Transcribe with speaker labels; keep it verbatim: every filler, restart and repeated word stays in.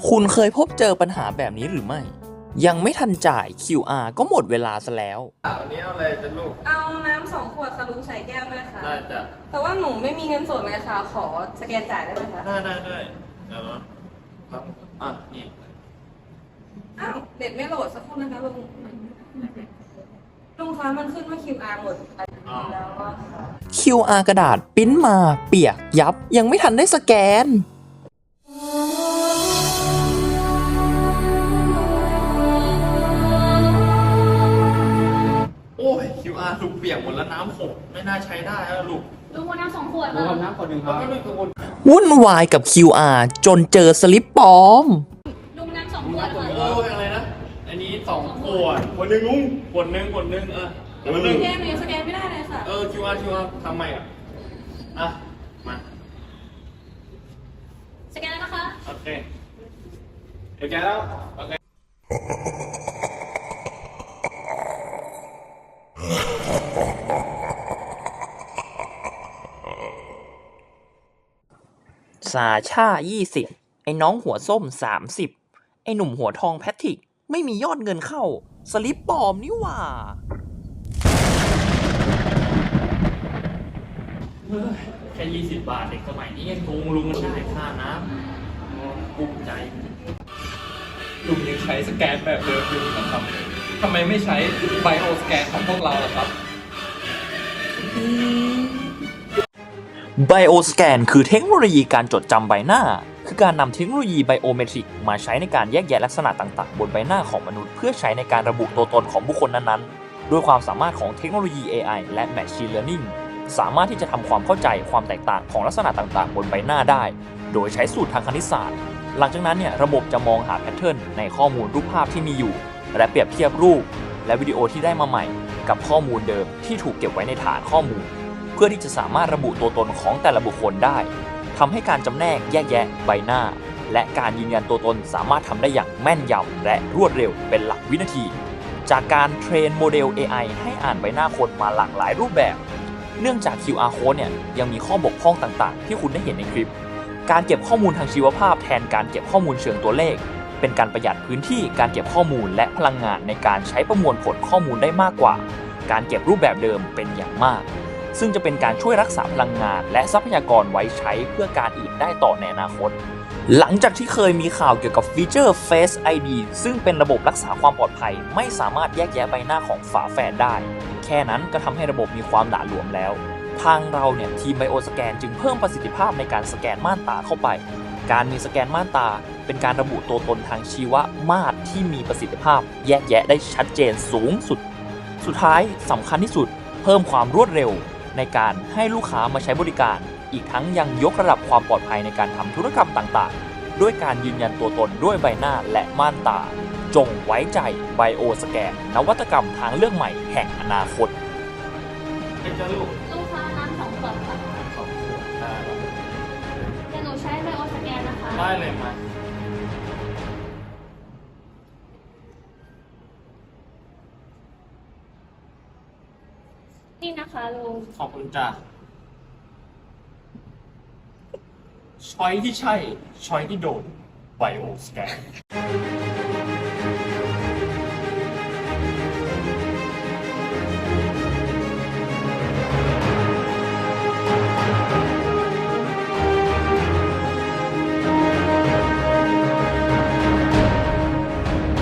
Speaker 1: คุณเคยพบเจอปัญหาแบบนี้หรือไม่ ยังไม่ทันจ่าย คิว อาร์ ก็หมดเวลาซะแล้ว
Speaker 2: วันนี้เอาอะไรจะลูก
Speaker 3: เอาน้ำสองขวดค่ะลุงใส่แก้วด้วยค่ะ
Speaker 2: ได้จ้ะ
Speaker 3: แต่ว่าหนูไม่มีเงินสดเลยค่ะ ขอสแกนจ่ายได้ไหมคะ
Speaker 2: ได้ได้ได้เดี๋ยวนะครับอ่ะนี่
Speaker 3: อ้าวเด็ดไม่โหลดสักครู่นะคะลุงลุงคะมันขึ้นว่า คิว อาร์ หมดแล้วว่าค่ะ
Speaker 1: คิว อาร์ กระดาษปริ้นมาเปียกยับยังไม่ทันได้สแกน
Speaker 2: โอ้ย คิว อาร์ ลูกเปียกหมดแล้วน้ำหกไม่น่าใช้ได้แล้วลูก
Speaker 4: ลุงคนน้ำสองขวด
Speaker 2: ลุงน้ำขวดหนึ่งครับไม่กังวล
Speaker 1: วุ่นวายกับ คิว อาร์ จนเจอสลิปปลอม
Speaker 4: ลุงน้ำสองขวดค่ะ
Speaker 2: โอ้ยอะไรนะอันนี้สองขวดขวดหนึ่งลุงขวดหนึ่งขวดหนึ่งเออขวดหนึ่ง
Speaker 3: สแกนหนูสแกนไม่ได้เลยค่ะ
Speaker 2: เออ คิว อาร์ คิว อาร์ ทำไมอ่ะอ่ะมา
Speaker 4: สแกนแล้วนะคะ
Speaker 2: โอเคสแกนแล้วโอเค
Speaker 1: สาชายี่สิบไอ้น้องหัวส้มสามสิบไอ้หนุ่มหัวทองแพทริกไม่มียอดเงินเข้าสลิปปลอมนี่หว่า
Speaker 2: แค่ยี่สิบบาทเด็กสมัยนี้ยังโกงลุงมันได้ค่าน้ำภูมิใจ
Speaker 5: ลุงยังใช้สแกนแบบเดิมอยู่นะครับทำไมไม่ใช้ไบโอสแกนของพวกเราล่ะครับ
Speaker 1: Bioscan คือเทคโนโลยีการจดจำใบหน้าคือการนำเทคโนโลยีไบโอเมตริกมาใช้ในการแยกแยะลักษณะต่างๆบนใบหน้าของมนุษย์เพื่อใช้ในการระบุตัวตนของบุคคลนั้นๆด้วยความสามารถของเทคโนโลยี เอ ไอ และ Machine Learning สามารถที่จะทำความเข้าใจความแตกต่างของลักษณะต่างๆบนใบหน้าได้โดยใช้สูตรทางคณิตศาสตร์หลังจากนั้นเนี่ยระบบจะมองหาแพทเทิร์นในข้อมูลรูปภาพที่มีอยู่และเปรียบเทียบรูปและวิดีโอที่ได้มาใหม่กับข้อมูลเดิมที่ถูกเก็บไว้ในฐานข้อมูลเพื่อที่จะสามารถระบุตัวตนของแต่ละบุคคลได้ทำให้การจำแนกแยกแยะใบหน้าและการยืนยันตัวตนสามารถทำได้อย่างแม่นยำและรวดเร็วเป็นหลักวินาทีจากการเทรนโมเดล เอ ไอ ให้อ่านใบหน้าคนมาหลากหลายรูปแบบเนื่องจาก คิว อาร์ Code เนี่ยยังมีข้อบกพร่องต่างๆที่คุณได้เห็นในคลิปการเก็บข้อมูลทางชีวภาพแทนการเก็บข้อมูลเชิงตัวเลขเป็นการประหยัดพื้นที่การเก็บข้อมูลและพลังงานในการใช้ประมวลผลข้อมูลได้มากกว่าการเก็บรูปแบบเดิมเป็นอย่างมากซึ่งจะเป็นการช่วยรักษาพลังงานและทรัพยากรไว้ใช้เพื่อการอื่นได้ต่อในอนาคตหลังจากที่เคยมีข่าวเกี่ยวกับฟีเจอร์ Face ไอ ดี ซึ่งเป็นระบบรักษาความปลอดภัยไม่สามารถแยกแยะใบหน้าของฝาแฝดได้แค่นั้นก็ทำให้ระบบมีความหละหลวมแล้วทางเราเนี่ยทีม Bioscan จึงเพิ่มประสิทธิภาพในการสแกนม่านตาเข้าไปการมีสแกนม่านตาเป็นการระบุตัวตนทางชีวมาตรที่มีประสิทธิภาพแยกแยะได้ชัดเจนสูงสุดสุดท้ายสำคัญที่สุดเพิ่มความรวดเร็วในการให้ลูกค้ามาใช้บริการอีกทั้งยังยกระดับความปลอดภัยในการทำธุรกรรมต่างๆด้วยการยืนยันตัวตนด้วยใบหน้าและม่านตาจงไว้ใจ Bioscan นวัตกรรมทางเลือกใหม่แห่งอนาคต
Speaker 2: เป็นจ้าลูก
Speaker 4: ลูกค้าน้ำสองขวดค่ะ
Speaker 2: สองขวดได้
Speaker 4: เดี๋ยวหนูใช้ไบโอสแกนนะคะ
Speaker 2: ได้เลยมา
Speaker 4: นี่นะคะลุง
Speaker 2: ขอบคุณจ้าช้อยที่ใช่ช้อยที่โดนไบโอสแกน